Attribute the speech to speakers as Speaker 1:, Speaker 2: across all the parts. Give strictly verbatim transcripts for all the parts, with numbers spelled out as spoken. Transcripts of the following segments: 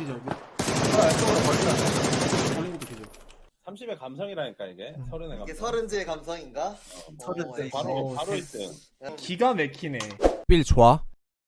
Speaker 1: 기절.
Speaker 2: 아, 이쪽으로 걸리나?
Speaker 1: 걸린 것도 기절.
Speaker 3: 삼십의 감성이라니까 이게. 서른의 감성.
Speaker 4: 이게 서른제의 감성인가?
Speaker 3: 어, 뭐,
Speaker 2: 서른째.
Speaker 3: 바로
Speaker 1: 어,
Speaker 3: 바로
Speaker 1: 세-
Speaker 3: 일 등.
Speaker 1: 기가 막히네.
Speaker 5: 빌 좋아?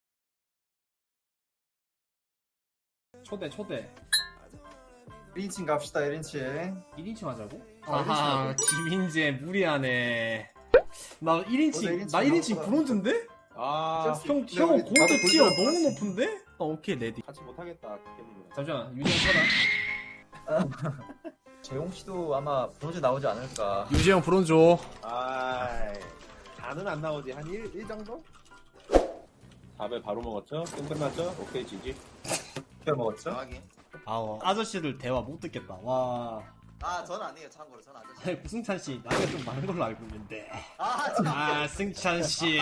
Speaker 1: 초대 초대.
Speaker 2: 일 인칭 갑시다, 일 인칭.
Speaker 1: 일 인칭 하자고?
Speaker 2: 아,
Speaker 1: 아하, 김인재 무리하네. 나 일 인칭,
Speaker 2: 일 인칭
Speaker 1: 나 일 인칭
Speaker 2: 나왔구나.
Speaker 1: 브론즈인데?
Speaker 3: 아
Speaker 1: 형,
Speaker 2: 근데
Speaker 1: 형
Speaker 2: 우리
Speaker 1: 골드
Speaker 2: 나도
Speaker 1: 티어
Speaker 2: 골드라고
Speaker 1: 너무
Speaker 2: 했지.
Speaker 1: 높은데? 아, 오케이, 레디.
Speaker 3: 같이 못하겠다. 기계님이랑.
Speaker 1: 잠시만, 유정 쳐라.
Speaker 2: 재용 씨도 아마 브론즈 나오지 않을까.
Speaker 5: 유재형 브론 줘.
Speaker 3: 아 다는 안 나오지. 한 일, 일 정도? 밥을 바로 먹었죠? 게임 끝났죠? 오케이 지지.
Speaker 2: 뼈 먹었죠?
Speaker 4: 정확히.
Speaker 1: 아우, 아저씨들 대화 못 듣겠다. 와.
Speaker 4: 아, 전 아니에요. 참고로 전 아저씨.
Speaker 1: 아니, 구승찬 씨, 나이가 좀 많은 걸로 알고 있는데.
Speaker 4: 아, 참.
Speaker 1: 아, 승찬 씨.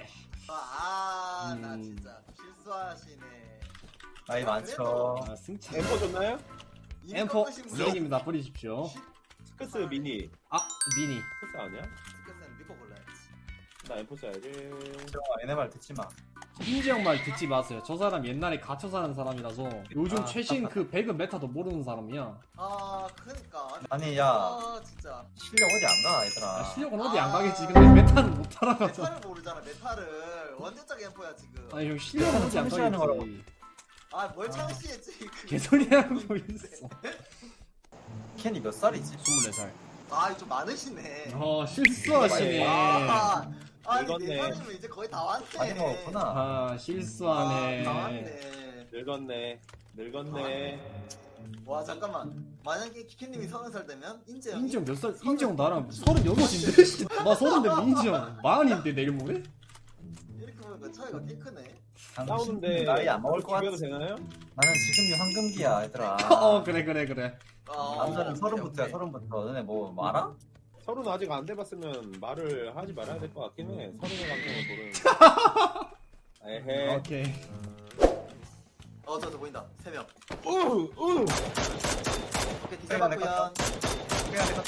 Speaker 4: 아, 나
Speaker 1: 음.
Speaker 4: 진짜 실수하시네.
Speaker 2: 나이 많죠.
Speaker 1: 아, 승찬.
Speaker 3: 엠포 줬나요?
Speaker 1: 엠포
Speaker 4: 스크스
Speaker 1: 미니입니다. 버리십시오.
Speaker 3: 스크스 미니.
Speaker 1: 아, 미니.
Speaker 3: 스크스 아니야?
Speaker 4: 믿고 골라야지.
Speaker 3: 나 엠포 써야지.
Speaker 2: 재용아, 얘네 말 듣지 마.
Speaker 1: 김지영 말 듣지 마세요. 저 사람 옛날에 갇혀 사는 사람이라서 요즘
Speaker 2: 아,
Speaker 1: 최신 그 배그 메타도 모르는 사람이야.
Speaker 4: 아, 그러니까.
Speaker 2: 아니, 야.
Speaker 4: 아, 진짜.
Speaker 2: 실력 어디 안 가, 얘들아.
Speaker 1: 아, 실력은 어디 안 가겠지. 근데 메타는 못 따라가서.
Speaker 4: 메타를 모르잖아. 메타를. 원대적 엠포야 지금.
Speaker 1: 아니 형 실력은 어디 안
Speaker 2: 창시하는
Speaker 1: 가겠지.
Speaker 4: 아, 뭘 창시했지? 그-
Speaker 1: 개소리 하는 거 있어.
Speaker 2: 켄이 몇 살이지?
Speaker 1: 스물네 살.
Speaker 4: 아, 좀 많으시네.
Speaker 1: 어, 실수하시네.
Speaker 4: 아, 아니
Speaker 3: 늙었네.
Speaker 4: 네 살이면 이제 거의 다 왔네.
Speaker 2: 많이 먹었구나.
Speaker 1: 아, 실수하네.
Speaker 4: 아, 다 왔네.
Speaker 3: 늙었네. 늙었네.
Speaker 4: 와, 잠깐만. 만약에 키키님이 서른 살 되면 인재형.
Speaker 1: 인정 몇 살? 인정 나랑 서른여섯인데? 나 서른인데 인정 마흔인데 내일 모레?
Speaker 4: 이렇게 보니까 차이가 꽤 크네.
Speaker 3: 싸우는데
Speaker 2: 나이 안 먹을 것 같아.
Speaker 3: 비교도 되나요?
Speaker 2: 나는 지금이 황금기야, 얘들아.
Speaker 1: 어, 그래, 그래, 그래.
Speaker 4: 어,
Speaker 2: 남자는
Speaker 4: 오케이,
Speaker 2: 서른부터야,
Speaker 4: 오케이.
Speaker 2: 서른부터. 너네 뭐, 뭐 알아?
Speaker 3: 서른 아직 안 돼봤으면 말을 하지 말아야 될 것 같긴 해. 서른의 감성을 모르는. 에헤.
Speaker 1: 오케이.
Speaker 4: 어, 저, 저 보인다. 세 명.
Speaker 3: 우! 우!
Speaker 4: 오케이, 뒤
Speaker 2: 내가 내가
Speaker 4: 잡았구연.
Speaker 2: 그냥 내가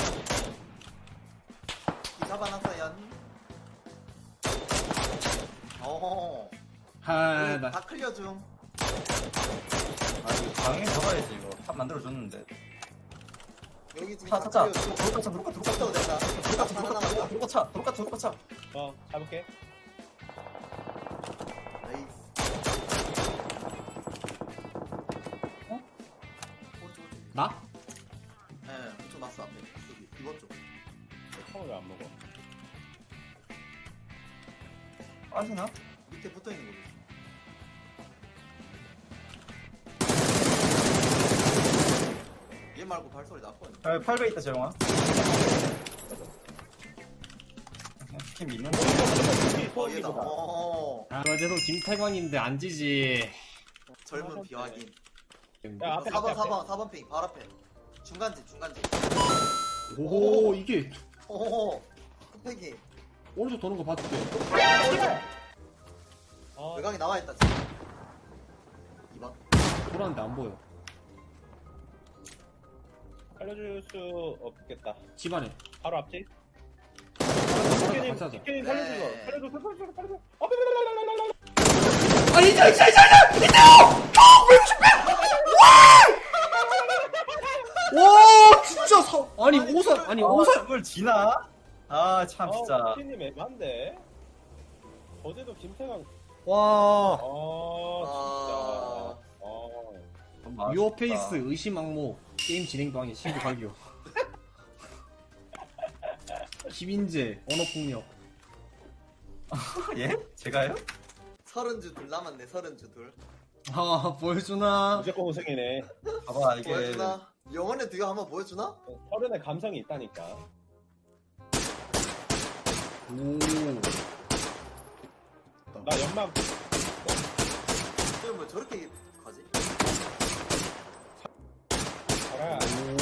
Speaker 4: 뒤 잡아놨어연. 어허.
Speaker 1: 하, 나.
Speaker 4: 다 클리어 중.
Speaker 2: 아니, 당연히 잡아야지, 이거. 탑 만들어줬는데.
Speaker 4: 여기 지금
Speaker 2: 차,
Speaker 4: 다
Speaker 2: 차, 차.
Speaker 4: 클리어 중.
Speaker 2: 도로가 차, 도로가, 도로가 차.
Speaker 4: 또 된다.
Speaker 2: 도로가 차,
Speaker 4: 하나
Speaker 2: 도로가 차,
Speaker 4: 남았다.
Speaker 2: 도로가 차, 도로가 차, 도로가 차.
Speaker 3: 어, 잡을게.
Speaker 4: 나이스. 어? 오른쪽, 오른쪽.
Speaker 1: 나?
Speaker 4: 예, 오른쪽 났어, 앞에. 여기, 이번 쪽.
Speaker 3: 콩을 왜 안 먹어?
Speaker 2: 빠지나?
Speaker 4: 밑에 붙어 있는 거지. 얘 말고 발소리 났거든.
Speaker 2: 아, 팔 배 있다, 재용아. 치킨 믿는다.
Speaker 4: 어, 얘다. 어,
Speaker 1: 아, 어제도 김태광인데 안 지지.
Speaker 4: 젊은 비확인.
Speaker 3: 야, 앞에,
Speaker 4: 사 번,
Speaker 3: 앞에,
Speaker 4: 사 번, 사 번 핑, 바로 앞에. 중간지, 중간지.
Speaker 1: 오, 이게
Speaker 4: 오, 흑백이.
Speaker 1: 오른쪽 도는 거 봐줄게.
Speaker 3: 어,
Speaker 4: 외곽이 나와있다, 지금. 이 번.
Speaker 1: 돌았는데 안 보여.
Speaker 3: 살려줄 수 없겠다.
Speaker 1: 집안에.
Speaker 3: 바로 앞지?
Speaker 1: 같이
Speaker 3: 치킨이,
Speaker 1: 하자.
Speaker 3: 치킨이 살려줘.
Speaker 4: 네.
Speaker 3: 살려줘, 살려줘, 살려줘.
Speaker 1: 아, 인정, 인정, 인정, 인정! 인정! 와, 진짜 사, 아니, 오살, 아니, 오살.
Speaker 2: 그걸 지나? 아, 참, 진짜.
Speaker 3: 어, 치킨님 애만데? 어제도 김태강,
Speaker 1: 와,
Speaker 3: 어,
Speaker 4: 아.
Speaker 3: 진짜. 어.
Speaker 2: 아,
Speaker 1: 유어페이스 의심 악모 게임 진행도 하기 신고 발교. 김인재 언어폭력.
Speaker 2: 예? 제가요?
Speaker 4: 서른 주 둘 남았네, 서른 주 둘.
Speaker 1: 아, 보여주나?
Speaker 3: 무조건 우승이네.
Speaker 2: 봐봐, 이게.
Speaker 4: 보여주나? 영혼의 뒤가 한번 보여주나?
Speaker 3: 서른의 감성이 있다니까.
Speaker 1: 오.
Speaker 3: 나 연막,
Speaker 4: 지금 뭐 저렇게 가지?
Speaker 3: 가라.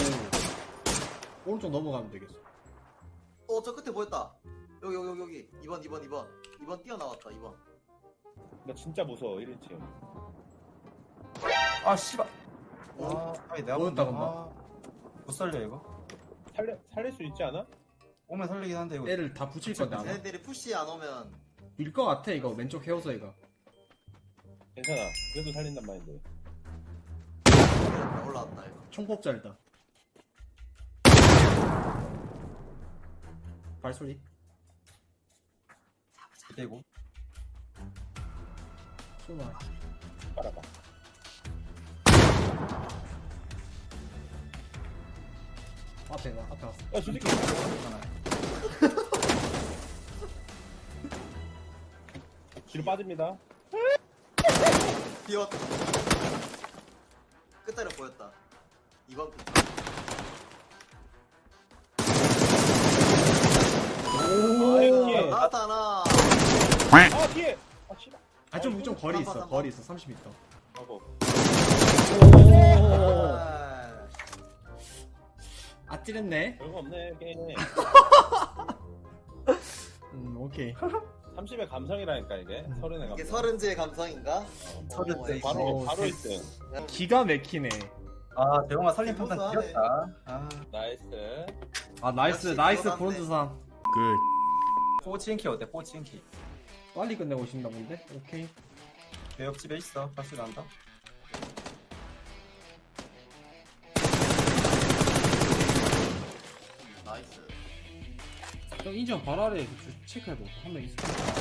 Speaker 1: 오. 오른쪽 넘어가면 되겠어.
Speaker 4: 어, 저 끝에 보였다. 여기, 여기, 여기, 여기. 이 번, 이 번, 이 번. 이 번 뛰어나왔다, 이 번.
Speaker 3: 나 진짜 무서워, 일 인칭.
Speaker 2: 아, 씨발.
Speaker 4: 오.
Speaker 2: 아, 아니, 내가
Speaker 1: 뭐였다,
Speaker 2: 본다.
Speaker 1: 근데?
Speaker 2: 아, 못 살려, 이거?
Speaker 3: 살려, 살릴 수 있지 않아?
Speaker 2: 오면 살리긴 한데, 이거.
Speaker 1: 애를 다 붙일 건데 아마.
Speaker 4: 쟤네들이 푸시 안 오면.
Speaker 1: 밀것 같아 이거 왼쪽 헤어서 이거.
Speaker 3: 괜찮아. 그래도 살린단 말인데.
Speaker 4: 올라왔다 올라왔다 이거.
Speaker 1: 총폭잘이다. 발소리.
Speaker 2: 대고.
Speaker 1: 쏘나.
Speaker 3: 빨아봐.
Speaker 1: 앞에 나 앞에 왔어.
Speaker 3: 야, 솔직히. 뒤로 빠집니다.
Speaker 4: 비었다. 끝자리 보였다. 이번 pitch.
Speaker 3: 오,
Speaker 4: 나타나.
Speaker 3: 아, 뒤에! 아, 씨발.
Speaker 1: 아좀 좀 거리 있어.
Speaker 4: 삼 번, 삼 번.
Speaker 1: 거리 있어. 삼십 미터.
Speaker 3: 하고.
Speaker 1: 오.
Speaker 4: 아,
Speaker 1: 아찔했네.
Speaker 3: 별거 없네, 게임에.
Speaker 1: 음 오케이.
Speaker 3: 삼십의 감성이라니까, 이게. 서른의 감성.
Speaker 4: 이게 서른지의 감성인가?
Speaker 3: 어,
Speaker 2: 서른 세.
Speaker 3: 바로,
Speaker 1: 오,
Speaker 3: 바로
Speaker 1: 세-
Speaker 3: 일 등.
Speaker 1: 기가 막히네.
Speaker 2: 아 대용아 살림 판단
Speaker 4: 대단하네.
Speaker 2: 지렸다. 아
Speaker 3: 나이스.
Speaker 1: 아 나이스
Speaker 4: 역시
Speaker 1: 나이스
Speaker 4: 그거답네.
Speaker 1: 브론즈상.
Speaker 5: 굿.
Speaker 2: 포치인키 어때? 포치인키.
Speaker 1: 빨리 끝내고 싶나 본데. 오케이.
Speaker 2: 내 옆집에 있어. 같이 난다.
Speaker 4: 나이스.
Speaker 1: 형 인정 바로 아래 체크해봐. 한 명 있어.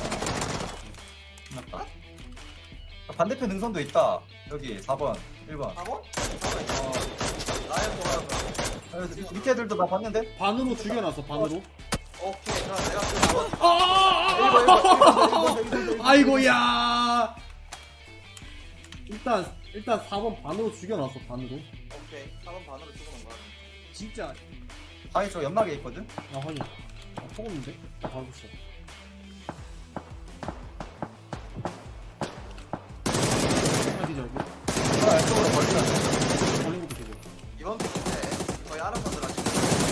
Speaker 2: 끝났다. 아, 반대편 능선도 있다. 여기 사 번, 일 번.
Speaker 4: 사 번? 어. 나의 뭐라고?
Speaker 2: 아, 밑에 애들도 나 봤는데?
Speaker 1: 반으로 죽여놨어. 반으로.
Speaker 4: 오케이 그럼 내가 그 사 번.
Speaker 1: 아! 아이고야. 일단 일단 사 번 반으로 죽여놨어. 반으로.
Speaker 4: 오케이 사 번 반으로 죽어놓은 거야.
Speaker 1: 진짜.
Speaker 2: 아니 저 연막에 있거든?
Speaker 1: 아 확인. 아 속었는데? 아 바로 붙여. 아 뒤져 이거.
Speaker 2: 아 왼쪽으로 걸리면
Speaker 1: 걸린 것도 되고.
Speaker 4: 이번 pitch인데 거의 알아서 들어가지고.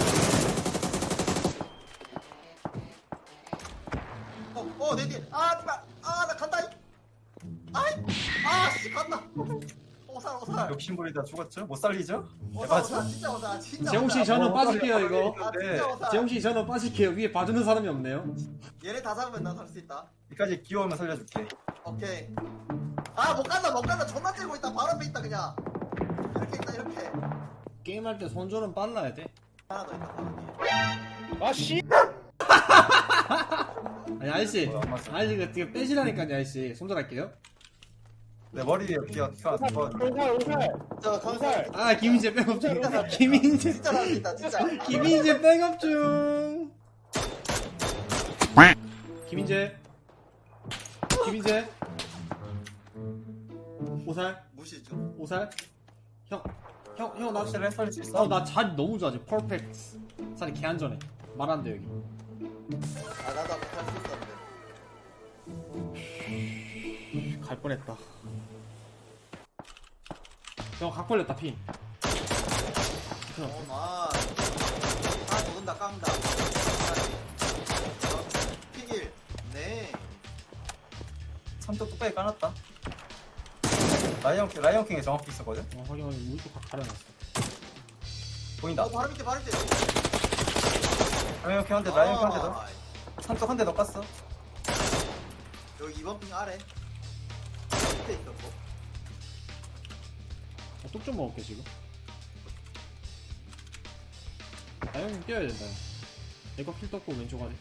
Speaker 4: 어, 어, 내 뒤에. 아, 씨발. 아, 나 간다. 아이, 아, 씨, 간다. 오살, 오살.
Speaker 2: 욕심부리다 죽었죠? 못 살리죠?
Speaker 4: 오살,
Speaker 2: 대박이죠?
Speaker 4: 오살, 진짜 오살, 진짜
Speaker 1: 재홍 씨
Speaker 4: 오살.
Speaker 1: 저는
Speaker 2: 어,
Speaker 1: 빠질게요 이거.
Speaker 4: 아, 진짜 오살.
Speaker 1: 재홍 씨 저는 빠질게요. 위에 봐주는 사람이 없네요.
Speaker 4: 얘네 다 잡으면 난 살 수 있다.
Speaker 2: 여기까지 귀여우면 살려줄게.
Speaker 4: 오케이. 아, 못 간다, 못 간다. 존나 째고 있다. 바로 앞에 있다, 그냥. 이렇게 있다, 이렇게.
Speaker 1: 게임할 때 손절은 빨라야 돼.
Speaker 4: 하나 더 있다, 바로 뒤에.
Speaker 3: 아, 씨!
Speaker 1: 아니 아저씨,
Speaker 2: 뭐야, 안 맞어.
Speaker 1: 아저씨 이거 되게 빼시라니까요 아저씨. 손절할게요.
Speaker 2: 내 머리에 귀가 귀가 안 거.
Speaker 3: 오살, 오살!
Speaker 4: 저, 감사합니다.
Speaker 1: 아 김인재 백업 중. 김인재,
Speaker 4: 진짜 잘한다, 진짜.
Speaker 1: 김인재 백업 중. 김인재, 김인재. 오살,
Speaker 4: 무시 중.
Speaker 1: 오살. 형, 형, 형 나.
Speaker 2: 확실히 살릴 수 있어?
Speaker 1: 어, 나 자리 너무 좋아, 지금. 퍼펙트. 자리 개안전해. 말 안 돼, 여기.
Speaker 4: 아, 나도 아까 살수 있었는데.
Speaker 1: 갈 뻔했다. 형, 각 걸렸다, 핀.
Speaker 4: 어, 마. 아, 도른다, 깡다. 피길. 네.
Speaker 2: 삼도 뚝배기 까놨다. 라이언 킹, 라이언 킹에 정확히 있었거든?
Speaker 1: 어, 확인, 확인. 우리 또각 가려놨어.
Speaker 2: 보인다.
Speaker 4: 어, 바로 밑에, 바로 밑에.
Speaker 2: 라이언 킹 한 대, 라이언 킹 한 대 더.
Speaker 4: 아,
Speaker 2: 삼쪽 한 대 더 깠어.
Speaker 4: 여기 이번 핑 아래. 밑에 있었고.
Speaker 1: 어, 뚝좀 먹을게, 지금. 아, 형님 뛰어야 된다. 형. 내거 킬 떴고, 왼쪽 아래.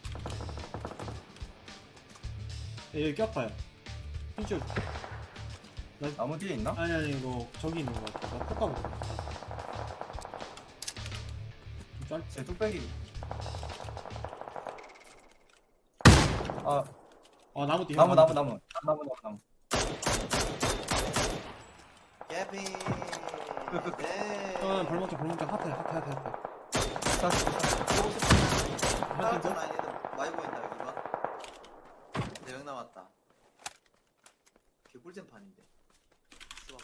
Speaker 1: 야, 여기 꼈다, 야. 핀줄.
Speaker 2: 나무 뒤에 있나?
Speaker 1: 아니, 아니, 이거, 저기 있는 거 같아. 나 톡 까볼게. 좀 짧,
Speaker 2: 제 뚝배기. 아,
Speaker 1: 아, 나무 뒤에.
Speaker 2: 나무, 나무, 나무. 나무, 나무, 나무.
Speaker 4: 예피.
Speaker 2: 그, 그, 그.
Speaker 4: 네.
Speaker 1: 어, 벌목자, 벌목자. 핫해, 핫해, 핫해, 핫해.
Speaker 2: 자,
Speaker 4: 다음 라인 애들 많이 보인다 여기 봐. 네명 남았다. 개꿀잼 판인데. 수박을.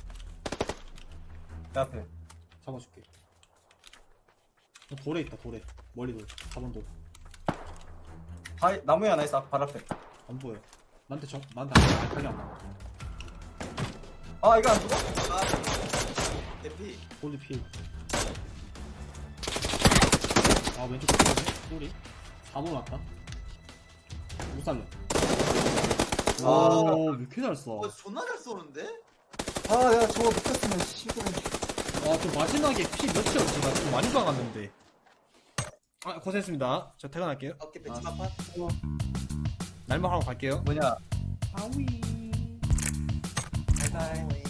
Speaker 2: 내 앞에.
Speaker 1: 잡아줄게. 어, 돌에 있다, 돌에. 멀리 돌. 사 번 돌.
Speaker 2: 바위, 나무에 하나 있어. 발 앞에.
Speaker 1: 안 보여. 나한테 정, 나한테 안, 알칼리 안 나와.
Speaker 2: 아, 이거 안 죽어?
Speaker 4: 아, 대피.
Speaker 1: 골드 필. 아, 왼쪽 끝이네. 소리. 사 번 왔다. 못 살려.
Speaker 4: 아.
Speaker 1: 오, 왜 이렇게 잘 써?
Speaker 4: 어, 존나 잘 쏘는데?
Speaker 2: 아, 내가 저거 못했으면 씨발.
Speaker 1: 아저 마지막에 피 몇이었지? 나 좀 많이 박았는데. 아 고생했습니다. 저 퇴근할게요.
Speaker 4: 오케이 벤치마판.
Speaker 1: 날먹하고 갈게요.
Speaker 2: 뭐냐
Speaker 1: 아위.
Speaker 2: 바이바이